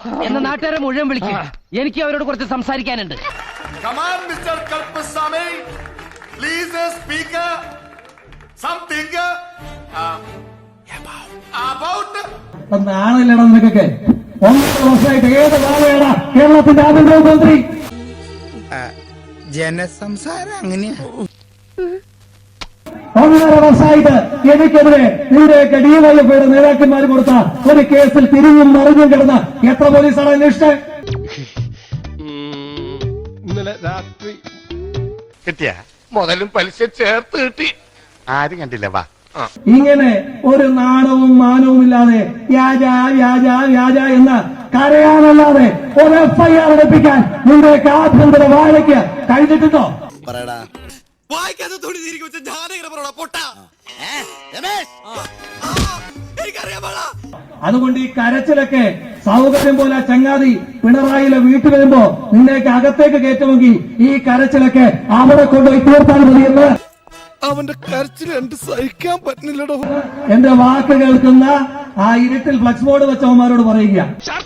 എന്ന നാട്ടുകാരെ മുഴുവൻ വിളിക്കും. എനിക്ക് അവരോട് കുറച്ച് സംസാരിക്കാനുണ്ട്. Come on, Mr. Kalpasamy. Please speak something about. നാളെല്ലടാ നിനക്കൊക്കെ 9 വർഷമായിട്ട് ഏത് നാളെയാടാ കേരളത്തിന്റെ ആഭ്യന്തരമന്ത്രി? ജനസംസാരം അങ്ങനെയാ. 1.5 വർഷമായിട്ട് എനിക്കെതിരെ ഇവിടെയൊക്കെ ഡിവൈഎഫ്ഐയുടെ നേതാക്കന്മാർ കൊടുത്ത ഒരു കേസിൽ തിരിഞ്ഞും മറിഞ്ഞും കിടന്ന എത്ര പോലീസാണ് അന്വേഷിച്ചത്? ഇന്നലെ രാത്രി കിട്ടിയ മുതലും പലിശ ചേർത്ത് കിട്ടി. ആരും കണ്ടില്ല. വാ. ഇങ്ങനെ ഒരു നാണവും മാനവും ഇല്ലാതെ വ്യാജ വ്യാജ വ്യാജ എന്ന് കരയാനല്ലാതെ ഒരു FIR എടുപ്പിക്കാൻ നിങ്ങളുടെയൊക്കെ ആഭ്യന്തര വാഴയ്ക്ക് കഴിഞ്ഞിട്ടുണ്ടോ? അതുകൊണ്ട് ഈ കരച്ചിലൊക്കെ സൗകര്യം പോലെ ചങ്ങാതി പിണറായിലെ വീട്ടിൽ വരുമ്പോ നിന്നെയൊക്കെ അകത്തേക്ക് കയറ്റുമെങ്കിൽ ഈ കരച്ചിലൊക്കെ അവിടെ കൊണ്ടുപോയി തീർത്താൽ മതിയെന്ന് അവന്റെ കരച്ചിൽ എനിക്ക് സഹിക്കാൻ പറ്റുന്നില്ലടോ. എന്റെ വാക്ക് കേൾക്കുന്ന ആ ഇരുട്ടിൽ ഫ്ലക്സ് ബോർഡ് വെച്ചവന്മാരോട് പറയുക,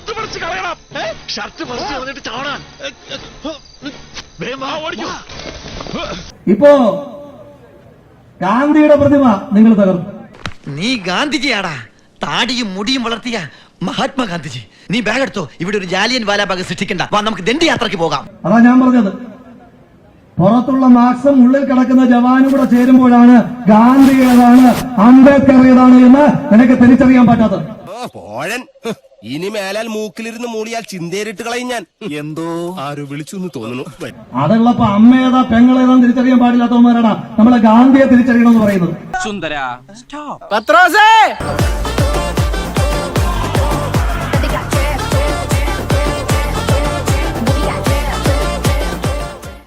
ഇപ്പോ ഗാന്ധിയുടെ പ്രതിമ നിങ്ങൾ തകർന്നു. നീ ഗാന്ധിജിയാടാ, താടിയും മുടിയും വളർത്തിയ മഹാത്മാഗാന്ധിജി. നീ ബാഗ് എടുത്തോ, ഇവിടെ ഒരു ജാലിയൻ വാലാബാഗ് സൃഷ്ടിക്കണ്ട. വാ, നമുക്ക് ദണ്ഡി യാത്രക്ക് പോകാം. അതാ ഞാൻ പറഞ്ഞത്. പുറത്തുള്ള മാക്സും ഉള്ളിൽ കിടക്കുന്ന ജവാനും കൂടെ ചേരുമ്പോഴാണ് ഗാന്ധി ഏതാണ് അംബേദ്കർ ഏതാണ് എന്ന് നിനക്ക് തിരിച്ചറിയാൻ പറ്റാത്തത്. ഇനി മേലാൽ മൂക്കിലിരുന്ന് മൂളിയാൽ ചിന്തേറിട്ട് കളയും ഞാൻ. എന്തോ ആരോ വിളിച്ചു എന്ന് തോന്നുന്നു. അതുള്ളപ്പോ അമ്മയേതാ പെങ്ങളേതാന്ന് തിരിച്ചറിയാൻ പാടില്ലാത്തവന്മാരാണ് നമ്മളെ ഗാന്ധിയെ തിരിച്ചറിയണമെന്ന് പറയുന്നത്. സുന്ദര പത്രോസേ